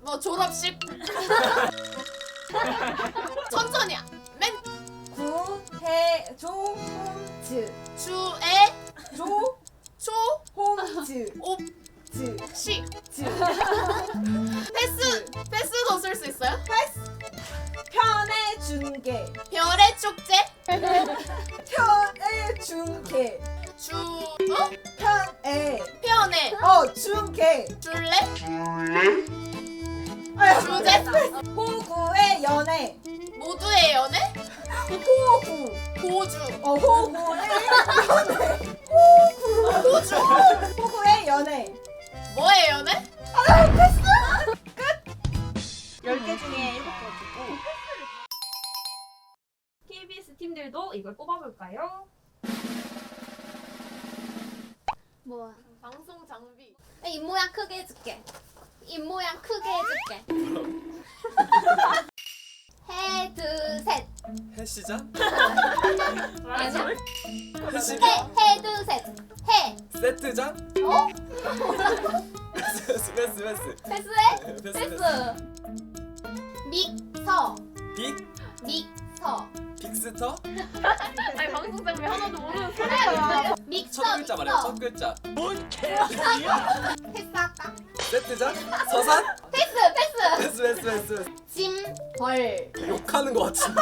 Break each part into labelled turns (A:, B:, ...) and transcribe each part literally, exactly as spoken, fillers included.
A: 뭐 졸업식. 천천히야. 맨
B: 구해 조홈즈
A: 주에
B: 조
A: 초
B: 홈즈
A: 옵
B: 즈
A: 식.
B: 즈
A: 패스 패스도 쓸 수 있어요?
B: 패스 편의 중계
A: 별의 축제.
B: 편의 중계
A: 주 어?
B: 편의
A: 편에
B: 어 중계
A: 줄래?
B: 아유,
A: 주제?
B: 호구의 연애
A: 모두의 연애?
B: 호구
A: 고주.
B: 어 호구의 연애 호구
A: 호주.
B: 호구의 연애
A: 뭐의 연애?
B: 아 패스 끝 열 개 중에 일곱 개 주고
C: 케이비에스 팀들도 이걸 뽑아볼까요?
D: 뭐야?
A: 방송 장비.
D: 입 모양 크게 해줄게. 입 모양 크게 해줄게. 해, 둘, 셋.
E: 해시장?
D: 아니야?
E: 해시장?
D: 해, 해, 둘, 셋. 해.
E: 세트장?
D: 어?
E: 패스 패스 패스
D: 패스해?
E: 패스
D: 패스. 믹서.
E: 빅?
D: 믹서.
E: 빅스터?
C: 아니 방송 장비 하나도 모르는
D: 믹서.
E: 첫 글자 말이야 첫 글자
D: 패스할까?
E: 세트장? 서산?
D: 패스, 패스.
E: 패스 패스 패스 패스
D: 짐, 벌.
E: 욕하는 거 같은데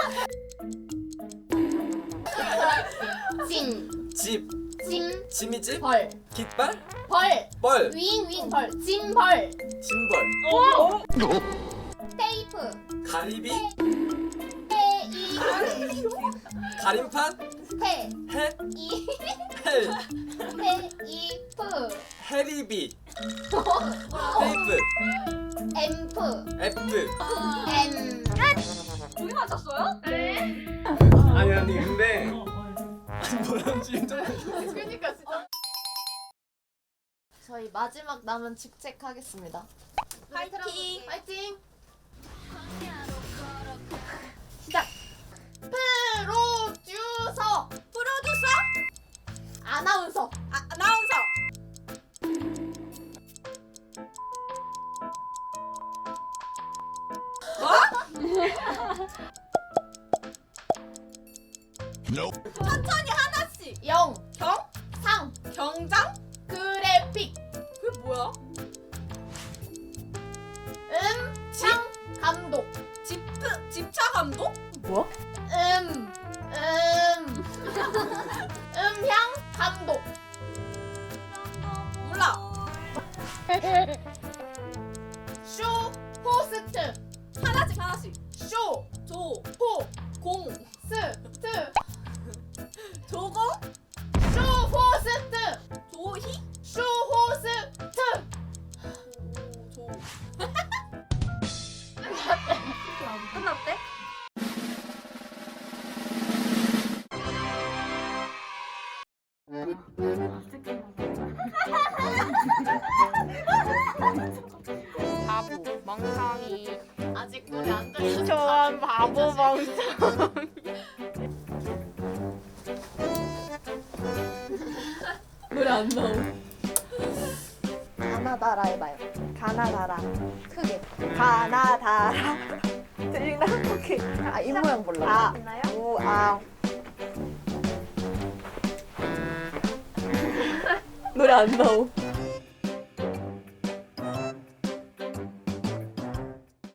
D: 짐,
E: 집
D: 짐,
E: 지미집?
D: 벌.
E: 깃발?
D: 벌.
E: 벌
D: 윙, 윙, 벌. 짐, 벌.
E: 짐벌
D: 테이프.
E: 가리비?
D: 테이프.
E: 가림판?
D: 테.
E: 해?
D: 이.
E: 헬
D: 테이프.
E: 해리비 테이프
D: 앰프.
E: F
D: 엠.
C: 두개 맞췄어요? 네.
E: 아니 아니 근데 뭐라는지 인정
A: 그러니까 진짜. 저희 마지막 남은 직책하겠습니다.
B: 파이팅
A: 파이팅.
D: 시작.
A: 프로듀서.
B: 프로듀서
A: 아나운서.
B: 아, 아나운서 천천히 하나씩
A: 영.
B: 경
A: 상.
B: 경장
A: 그래픽.
B: 그게 뭐야
A: 음. 상. 감독.
B: 집트 집차 감독
A: 음. 음. 음향 감독.
B: 몰라
A: 쇼 호스트.
B: 하나씩 하나씩
A: 쇼.
B: 조
A: 호.
B: 공
A: 스. 트.
B: 조공
A: 쇼 호스트.
B: 조희
A: 쇼 호스트.
B: 조
C: 끝났대?
F: 바보 멍청이
A: 아직 노래 안 들렸어.
F: 저런 바보 멍청
A: 노래 안 나오.
F: 가나다라 해봐요. 가나다라 크게 가나다라 들리나? 오케이. 아 입모양 몰라. 아
C: 됐나요?
F: 우아 노래 안 나오.